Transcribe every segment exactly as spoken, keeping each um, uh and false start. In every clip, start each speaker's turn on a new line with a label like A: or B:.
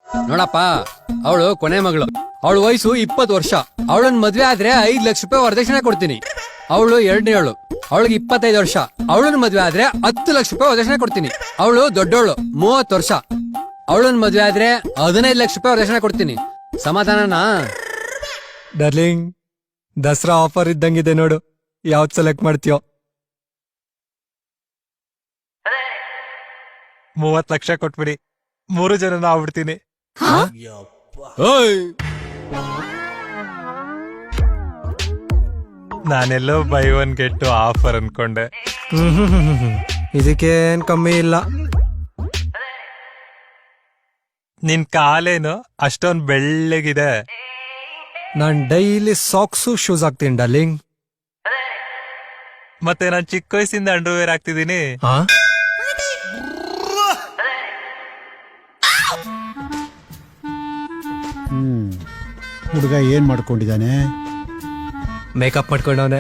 A: ನೋಡಪ್ಪ, ಅವಳು ಕೊನೆ ಮಗಳು. ಅವಳ ವಯಸ್ಸು ಇಪ್ಪತ್ತು ವರ್ಷ. ಅವಳನ್ ಮದ್ವೆ ಆದ್ರೆ ಐದ್ ಲಕ್ಷ ರೂಪಾಯಿ ವರದಕ್ಷಿಣೆ ಕೊಡ್ತೀನಿ. ಅವಳು ಎರಡನೇವಳು, ಅವಳಿಗೆ ಇಪ್ಪತ್ತೈದು ವರ್ಷ. ಅವಳನ್ ಮದ್ವೆ ಆದ್ರೆ ಹತ್ತು ಲಕ್ಷ ರೂಪಾಯಿ ವರದಕ್ಷಿಣೆ ಕೊಡ್ತೀನಿ. ಅವಳು ದೊಡ್ಡವಳು, ಮೂವತ್ತು ವರ್ಷ. ಅವಳನ್ ಮದ್ವೆ ಆದ್ರೆ ಹದಿನೈದು ಲಕ್ಷ ರೂಪಾಯಿ ವರದಕ್ಷಿಣೆ ಕೊಡ್ತೀನಿ. ಸಮಾಧಾನನಾ?
B: ಡಾರ್ಲಿಂಗ್, ದಸರಾ ಆಫರ್ ಇದ್ದಂಗಿದೆ ನೋಡು, ಯಾವ್ದು ಸೆಲೆಕ್ಟ್ ಮಾಡ್ತೀಯೋ?
C: ಮೂವತ್ ಲಕ್ಷ ಕೊಟ್ಬಿಡಿ, ಮೂರು ಜನ ಆಗ್ಬಿಡ್ತೀನಿ. ನಾನೆಲ್ಲೋ ಬೈ ಒನ್ ಗೆಟ್ ಆಫರ್ ಅನ್ಕೊಂಡೆ.
B: ಇದಕ್ಕೇನ್ ಕಮ್ಮಿ ಇಲ್ಲ.
C: ನಿನ್ ಕಾಲೇನು ಅಷ್ಟೊಂದ್ ಬೆಳ್ಳಗಿದೆ.
B: ನಾನ್ ಡೈಲಿ ಸಾಕ್ಸು ಶೂಸ್ ಹಾಕ್ತೀನಿ ಡಾರ್ಲಿಂಗ್.
C: ಮತ್ತೆ ನಾನ್ ಚಿಕ್ಕ ವಯಸ್ಸಿಂದ ಅಂಡರ್ವೇರ್ ಆಗ್ತಿದ್ದೀನಿ.
D: ಹ್ಮ್ ಹುಡುಗ ಏನ್ ಮಾಡ್ಕೊಂಡಿದ್ದಾನೆ?
B: ಮೇಕಪ್ ಮಾಡ್ಕೊಂಡವನೆ.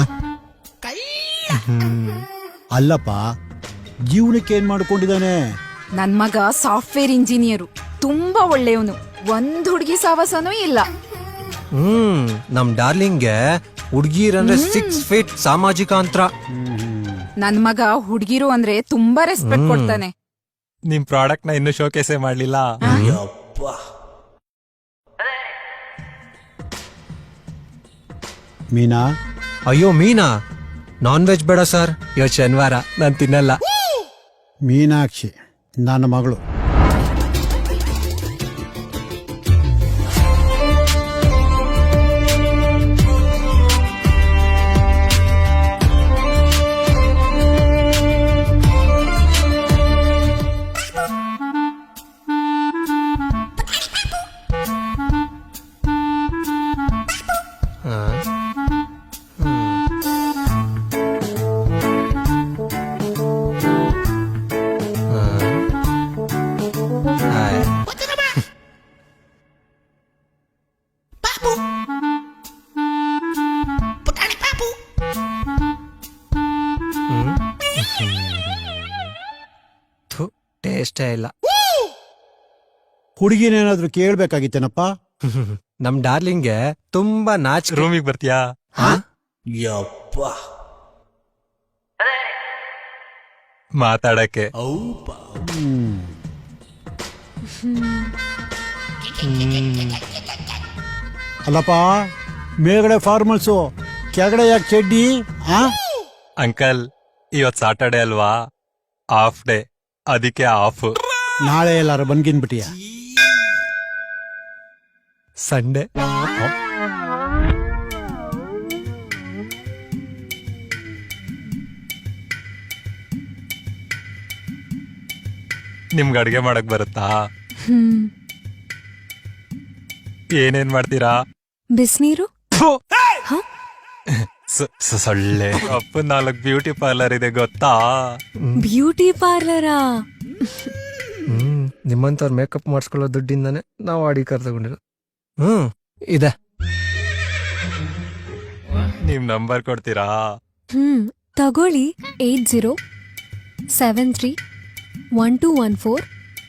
D: ಅಲ್ಲಪ್ಪ, ಜೀವನಕ್ಕೆ ಏನ್ ಮಾಡ್ಕೊಂಡಿದ್ದಾನೆ?
E: ನನ್ ಮಗ ಸಾಫ್ಟ್ವೇರ್ ಇಂಜಿನಿಯರು, ತುಂಬಾ ಒಳ್ಳೆಯವನು. ಒಂದ್ ಹುಡುಗಿ ಸಾವಾಸನೂ ಇಲ್ಲ.
B: ಹ್ಮ್ ನಮ್ ಡಾರ್ಲಿಂಗ್ಗೆ ಹುಡ್ಗೀರಂದ್ರೆ ಸಿಕ್ಸ್ ಫೀಟ್ ಸಾಮಾಜಿಕ ಅಂತರ.
E: ನನ್ ಮಗ ಹುಡುಗಿರು ಅಂದ್ರೆ ತುಂಬಾ ರೆಸ್ಪೆಕ್ಟ್ ಕೊಡ್ತಾನೆ.
C: ನಿಮ್ ಪ್ರಾಡಕ್ಟ್ ನ ಇನ್ನು ಶೋಕೇಸೇ ಮಾಡ್ಲಿಲ್ಲ.
D: ಮೀನಾ?
B: ಅಯ್ಯೋ ಮೀನಾ, ನಾನ್ ವೆಜ್ ಬೇಡ ಸರ್, ಇವತ್ತು ಶನಿವಾರ, ನಾನ್ ತಿನ್ನಲ್ಲ.
D: ಮೀನಾಕ್ಷಿ ನನ್ನ ಮಗಳು.
B: ಟೇಸ್ಟೇ ಇಲ್ಲ.
D: ಹುಡುಗಿನೇನಾದ್ರೂ ಕೇಳ್ಬೇಕಾಗಿತ್ತೇನಪ್ಪ?
B: ನಮ್ ಡಾರ್ಲಿಂಗ್ಗೆ ತುಂಬಾ ನಾಚಿಕೆ.
C: ರೂಮಿಗೆ ಬರ್ತೀಯಾ? ಮಾತಾಡಕ್ಕೆ.
D: ಅಲ್ಲಪ್ಪ, ಮೇಲ್ಗಡೆ ಫಾರ್ಮಲ್ಸು, ಕೆಳಗಡೆ ಯಾಕೆ ಚಡ್ಡಿ?
C: ಅಂಕಲ್, ಇವತ್ ಸಾಟರ್ಡೆ ಅಲ್ವಾ, ಆಫ್ ಡೇ, ಅದಕ್ಕೆ ಆಫ್.
D: ನಾಳೆ ಎಲ್ಲಾರು ಬಂದ್ಗಿನ್ಬಿಟ್ಟಿಯ?
B: ಸಂಡೆ.
C: ನಿಮ್ಗೆ ಅಡ್ಗೆ ಮಾಡಕ್ ಬರುತ್ತಾ? ಏನೇನ್ ಮಾಡ್ತೀರಾ?
F: ಬಿಸಿನೀರು,
C: ಸೊಳ್ಳೆ. ಅಪ್ಪ ನಾಲ್ಕು ಬ್ಯೂಟಿ ಪಾರ್ಲರ್ ಇದೆ ಗೊತ್ತಾ?
F: ಬ್ಯೂಟಿ ಪಾರ್ಲರಾ?
B: ಹ್ಮ್ ನಿಮ್ಮಂತವ್ರ ಮೇಕಪ್ ಮಾಡಿಸ್ಕೊಳ್ಳೋ ದುಡ್ಡಿಂದಾನೆ ನಾವು ಅಡಿ ಕಾರ್ ತಗೊಂಡಿರೋ. ಹ್ಮ್ ಇದೆ.
C: ನಿಮ್ ನಂಬರ್ ಕೊಡ್ತೀರಾ?
F: ಹ್ಮ್ ತಗೊಳ್ಳಿ. Eight zero seven three one two one four.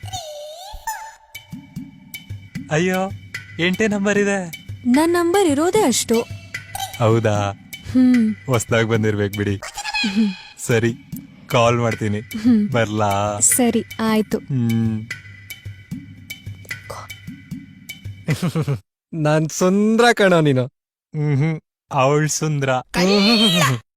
C: ಅಯ್ಯೋ, ಎಂಟೇ ನಂಬರ್ ಇದೆ.
F: ನನ್ನ ನಂಬರ್ ಇರೋದೇ ಅಷ್ಟು.
C: ಹೌದಾ?
F: ಹ್ಮ್
C: ಹೊಸ್ದಾಗ್ ಬಂದಿರ್ಬೇಕು ಬಿಡಿ. ಸರಿ, ಕಾಲ್ ಮಾಡ್ತೀನಿ. ಬರ್ಲಾ?
F: ಸರಿ ಆಯ್ತು.
C: ಹ್ಮ್
B: ನಾನ್ ಸುಂದ್ರ ಕಣೋ ನೀನು.
C: ಹ್ಮ್ ಅವಳ್ ಸುಂದ್ರ.